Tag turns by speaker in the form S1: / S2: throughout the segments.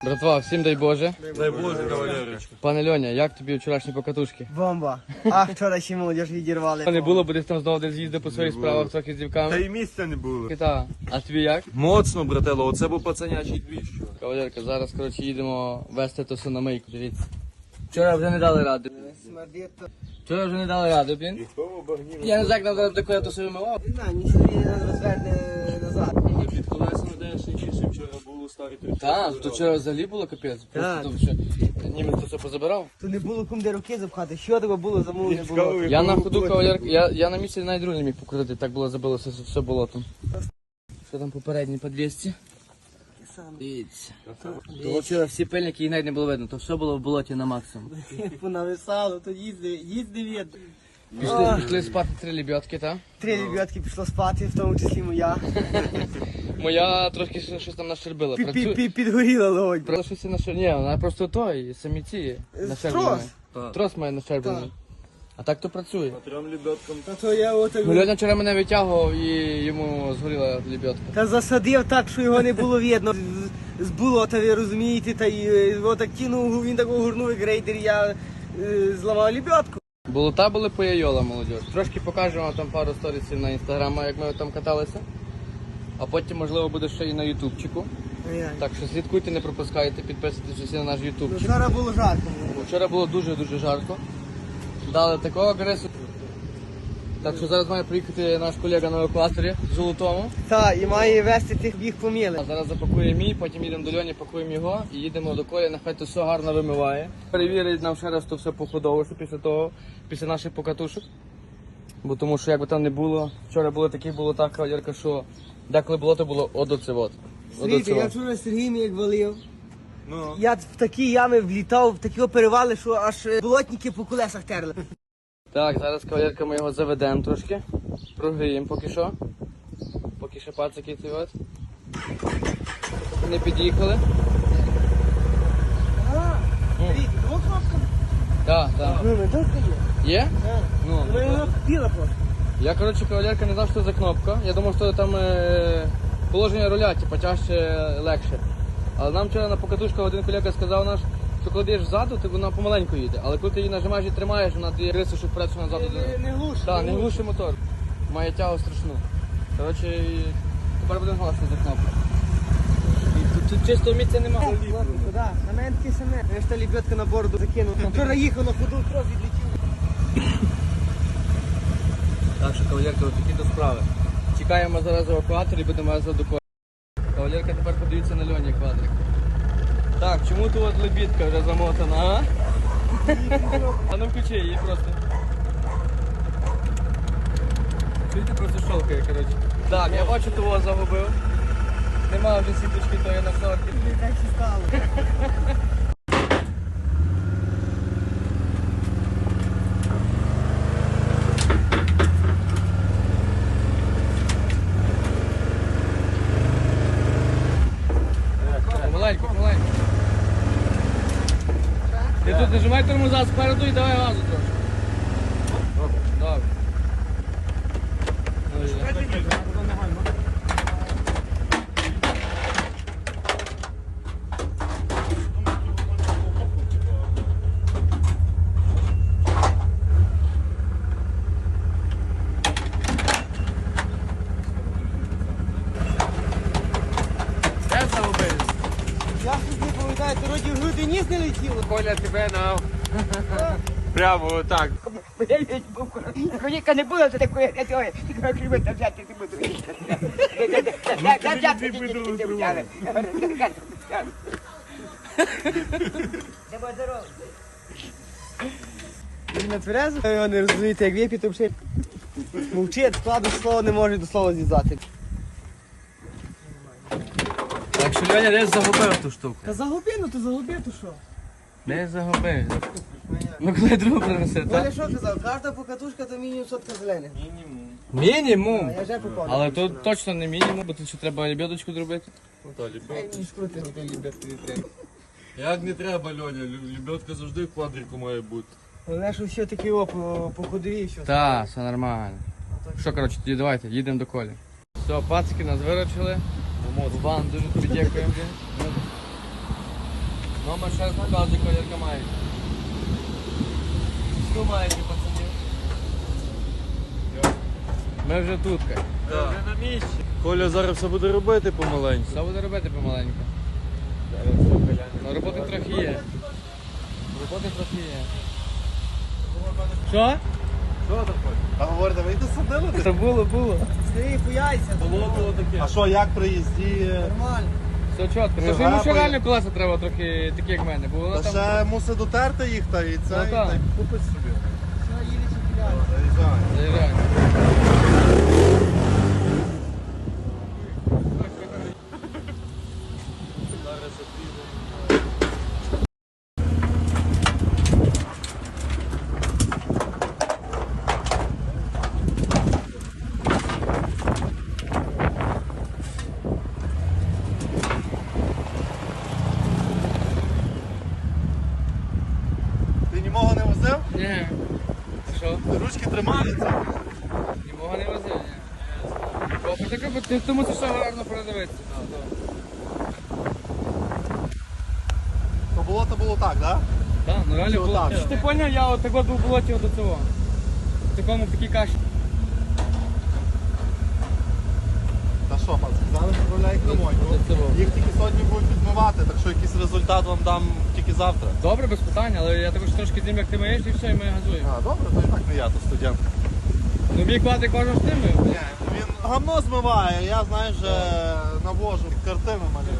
S1: Братва, всім дай Боже.
S2: Дай Боже, кавалерочка.
S1: Пане Льоня, як тобі вчорашні покатушки?
S3: Бомба. А вчора ще молодіж відірвали.
S1: Не було, бо десь там знову десь з'їздив по своїх справах трохи з
S2: Та
S1: дівками.
S2: й місця не було.
S1: Та. А тобі як?
S2: Моцно, брателло, оце був пацанячий двіж.
S1: Кавалерка, зараз, коротше, їдемо вести то все на мийку, дивіться. Вчора вже не дали ради. Вчора вже не дали ради, блін. Я не знаю, як нам зараз до коли то все вимивав.
S3: Не знаю, нічого не розверне назад.
S2: Під колесами де ще гірше вчора було старі тричі.
S1: Так, то вчора взагалі було капець.
S3: Так.
S1: Просто то все, німець то все позабирав.
S3: То не було кум де руки запхати. Що тебе було, замову не було.
S1: Я на ходу, кавалерка, я на місці навіть друг не міг покрутити, так було забилося все болотом. Що там попередні по 200? Дивіться. То вчора всі пильники, їх навіть не було видно, то все було в болоті на максимум.
S3: Понависало, то їзди від.
S1: Пішли спати 3 лебедки, так?
S3: 3 ребятки пішло спати, в тому числі моя.
S1: Моя трошки щось там нащербила.
S3: Підгоріла логонь.
S1: Просто щось нащербила. Ні, вона просто той, самі ці нащерблений. Трос має нащерблений. А так то працює.
S2: Трьом лебедкам.
S3: Та то я отак.
S1: Ну, Льоня вчора мене витягував і йому згоріла лебедка.
S3: Та засадив так, що його не було видно. З болота, ви розумієте, та й отак кинув, він так огорнув як рейдер, я зламав лебедку.
S1: Болота були по яйола, молодь. Трошки покажемо вам там пару сторісів на інстаграмі, як ми там каталися. А потім, можливо, буде ще і на ютубчику. Так що слідкуйте, не пропускайте, підписуйтесь всі на наш
S3: Ну,
S1: ютубчик.
S3: вчора було жарко.
S1: Вчора було дуже жарко. Дали такого агресу. Так що зараз має приїхати наш колега на евакуаторі в Золотому.
S3: Так, і має вести тих біг поміли.
S1: А зараз запакує мій, потім їдемо до Льоні, пакуємо його і їдемо до Колі, нехай то все гарно вимиває. Перевірить нам ще раз то все походово, що після того, після наших покатушок. Бо тому що як би там не було, вчора було такі болота, кавалерка, що деколи болото було одоцевот.
S3: Смотрите, я вчора з Сергієм як валив.
S2: Ну.
S3: Я в такі ями влітав, в такі перевали, що аж болотники по колесах терли.
S1: Так, зараз кавалерка ми його заведемо трошки, прогріємо поки що. Поки ще пацики ці от. Не під'їхали.
S3: Дивіться, двох кнопками.
S1: Так.
S3: Ну, не тут є.
S1: Є? Ну,
S3: Ну, воно біла просто.
S1: я, коротше, кавалерка не знав, що це за кнопка. Я думав, що там положення руля, типу, тяжче, легше. Але нам вчора на покатушках один колега сказав наш, що коли йдеш ззаду, то вона помаленьку їде. Але коли ти її нажимаєш і тримаєш, вона дає риси, що вперед, що назад.
S3: Не глуше.
S1: Так, не глушить мотор. Має тягу страшну. Коротше, тепер будемо голосити за кнопку. Тут чисто місця немає.
S3: Куди? На мене таке саме. Я ж та лебедка на бороду закинув. Вчора їхав на ходу, трохи відлетів.
S1: Так що, кавалерка, ось такі то справи. Чекаємо зараз евакуатор і будемо зараз до Колі. Кавалерка тепер подивіться на Льоні квадрик. Так, чому тут от лебідка вже замотана, а? А ну включи її просто. Чуєте, просто щолкає, коротше. Так, я бачу, того загубив. Нема вже сіточки тої на шорті.
S3: Так і стало.
S1: Помаленьку. Ти тут нажимай тормоза спереду і давай газу трошки. Добре. Де загубили?
S3: Я щось не пам'ятаю, то роді в груди ніс не летіло.
S1: Коля тебе на... Прямо отак.
S4: Коніка не було, то такої, я цього, тільки клімата взяти не буду. Не взяли.
S3: Він не тверезо, його не розумієте, як вип'є, то взагалі мовчить, складу слово не може до слова зв'язати.
S1: Так що Льоня десь загубив ту штуку.
S3: Та загуби, ну то загуби, то що?
S1: Десь загубив. Ну коли другу принесе,
S3: Оля
S1: так?
S3: що казав, кожна покатушка то мінімум сотка зелених.
S1: Мінімум.
S3: Я вже попав.
S1: Але тут точно не мінімум, бо тут ще треба лебедочку зробити.
S2: Ну та лебедка.
S3: Ні, скрути.
S2: Як не треба, Льоня, лебедка завжди в квадрику має бути.
S3: Головне, що все таки по ходові і все.
S1: Так, все нормально. Що, коротше, тоді давайте, їдемо до Колі. Все, пацики нас виручили. Ван, дуже тобі дякуємо. Ну, ми ще раз показує, колірка має. Що маєте, пацанів? Ми вже тут.
S2: Вже на місці. Коля зараз все буде робити помаленьку.
S1: Все буде робити помаленьку. Ну, роботи трохи є. Роботи трохи є. Що?
S2: Що там Коля?
S5: А говорите, ви досадили?
S1: Це було.
S3: Старий, хуяйся.
S2: Було таке.
S5: А що, як при їзді?
S3: Нормально.
S1: Все чітко. Тож йому ще реально колеса треба трохи такі, як в мене. Бо воно
S5: Та
S1: там...
S5: ще мусить дотерти їх та і це,
S1: Ну,
S5: і
S1: так.
S5: та й купить собі.
S3: Все, їде чіпляє.
S5: Заїжджай.
S1: Заїжджай.
S5: Ти німого не возив?
S1: Ні. Що?
S5: Ручки тримаються.
S1: Німого не возив, ні. Бо так, ти тому це все гарно передивитися.
S5: То було так, так?
S1: Так, ну реально
S5: Чого
S1: було.
S5: так?
S1: Що ти поняв, я от так от був в болоті до цього. В такому, в такій каші.
S5: Та що, пан, сказали, відправляй кремоньку.
S1: До цього.
S5: Їх тільки сьогодні будуть відмивати, так що якийсь результат вам дам тільки завтра.
S1: Добре, без питань, але я також трошки знім, як ти маєш, і все, і ми газуємо.
S5: А, добре, то і так не я, то студент.
S1: Ну мій квадрик кожен з тим.
S5: Ні, він гамно змиває, я, знаєш, вже навожу, картини малюю.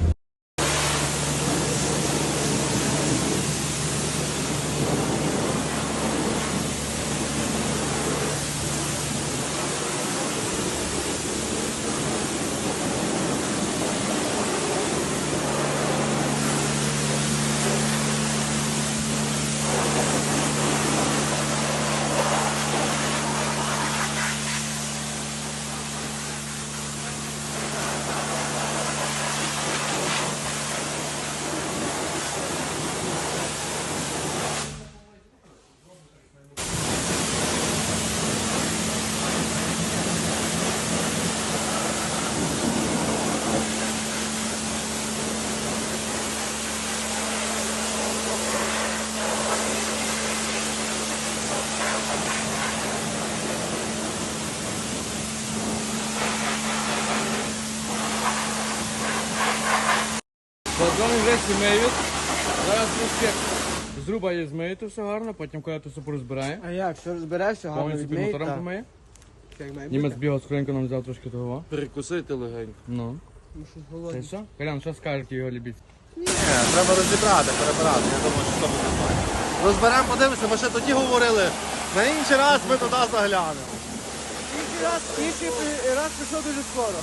S1: Подзвони вже сімеють. Зараз трошки зруба її змиєте все гарно, потім коли ти все порозбирає.
S3: А як, все розберешся, гарно
S1: Повністю під
S3: відмиє,
S1: мотором
S3: так.
S1: помиє.
S3: Як має
S1: Німець
S3: бути.
S1: бігав скоренько нам взяв трошки того.
S2: Перекусити легенько.
S1: Ну.
S3: Ну, щось
S1: Це
S3: голодне.
S1: все? Колян, що скажете його любіть?
S5: Ні, треба розібрати, перебирати, я думаю, що це буде файно. Розберемо, подивимося, ми ще тоді говорили, на інший раз ми туди заглянемо.
S3: Інший раз пішов дуже скоро.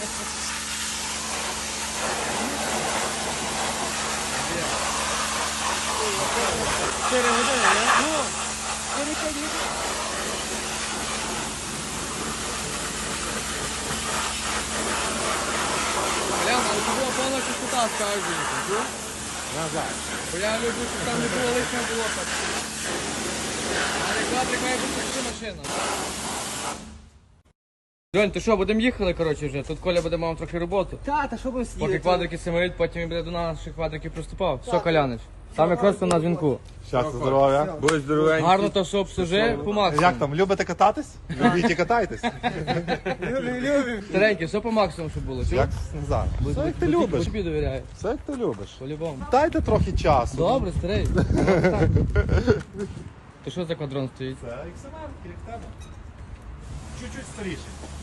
S3: Чотири години, не? Ну, 4-5 годин.
S1: Колян, але це була повна чистота, скажу жінку. Бо я люблю, щоб там не було лишнього болота. Але квадрик має бути всі машина. Льонь, то що, будемо їхали, коротше, вже. Тут Коля буде мав трохи роботу.
S3: Та що будемо сидіти?
S1: Поки квадрики симають, потім він буде до наших квадриків приступав. Все, Колянич. Там якраз на дзвінку.
S5: Щастя, здоров'я.
S2: Будь здоровенький.
S1: Гарно то все обслужи, по максимуму.
S5: Як там, любите кататись? Любіть і катайтесь.
S3: Любим.
S1: Старенький, все по максимуму, щоб було. Чув?
S5: Як не знаю. Все як ти любиш.
S1: Тобі довіряю,
S5: Все як ти любиш.
S1: по-любому.
S5: Дайте трохи часу.
S1: Добре, старий. То що за квадрон стоїть?
S5: Це XMR, як тебе. Чуть-чуть старіший.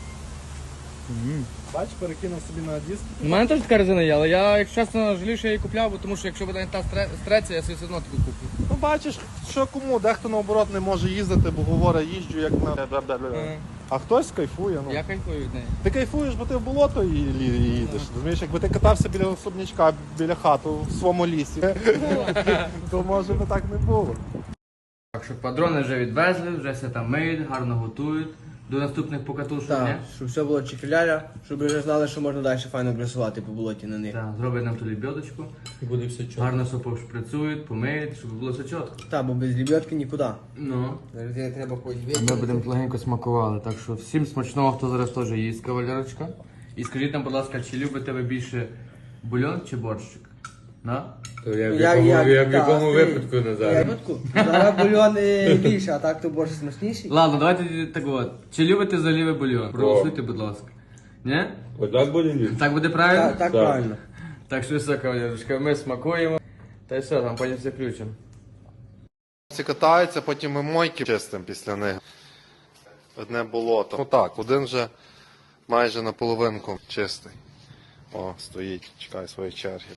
S5: Бач, перекинув собі на диск.
S1: У мене теж така резина є, але я, якщо чесно, жалію, що я її купляв, бо тому що якщо буде не та стреться, я собі все одно таку куплю.
S5: Ну бачиш, що кому, дехто наоборот не може їздити, бо говорить, їжджу як на... А хтось кайфує. Ну.
S1: Я кайфую від неї.
S5: Ти кайфуєш, бо ти в болото їдеш. Розумієш, якби ти катався біля особнячка, біля хати в своєму лісі, то може би так не було.
S1: Так що квадрони вже відвезли, вже все там миють, гарно готують. До наступних покатушок,
S3: Так,
S1: ні?
S3: щоб все було чекіляля, щоб ви вже знали, що можна далі файно красувати по болоті на них.
S1: Так, зроблять нам ту лебедочку.
S2: І буде все чітко.
S1: Гарно все пошприцюють, помиють, щоб було все чітко.
S3: Так, бо без лебедки нікуди.
S1: Ну.
S3: Зараз я треба когось
S1: Ми будемо легенько смакували, так що всім смачного, хто зараз теж їсть, кавалерочка. І скажіть нам, будь ласка, чи любите ви більше бульон чи борщик? На?
S2: То я в
S3: Я-
S2: якому,
S3: я-
S2: в
S3: та,
S2: якому
S3: ти-
S2: випадку
S3: Я
S2: Назар?
S3: випадку. Зараз бульон більше, а так то борщ смачніший.
S1: Ладно, давайте так от. Чи любите заливи бульйон? Проголосуйте, будь ласка. Ні?
S2: Отак буде ліс.
S1: Так буде правильно?
S3: Так правильно.
S1: Так що все, кавалерочка, ми смакуємо. Та й все, там потім все включимо.
S5: Всі катаються, потім ми мойки чистимо після них. Одне болото. Отак, один вже майже наполовинку чистий. О, стоїть, чекає своєї черги.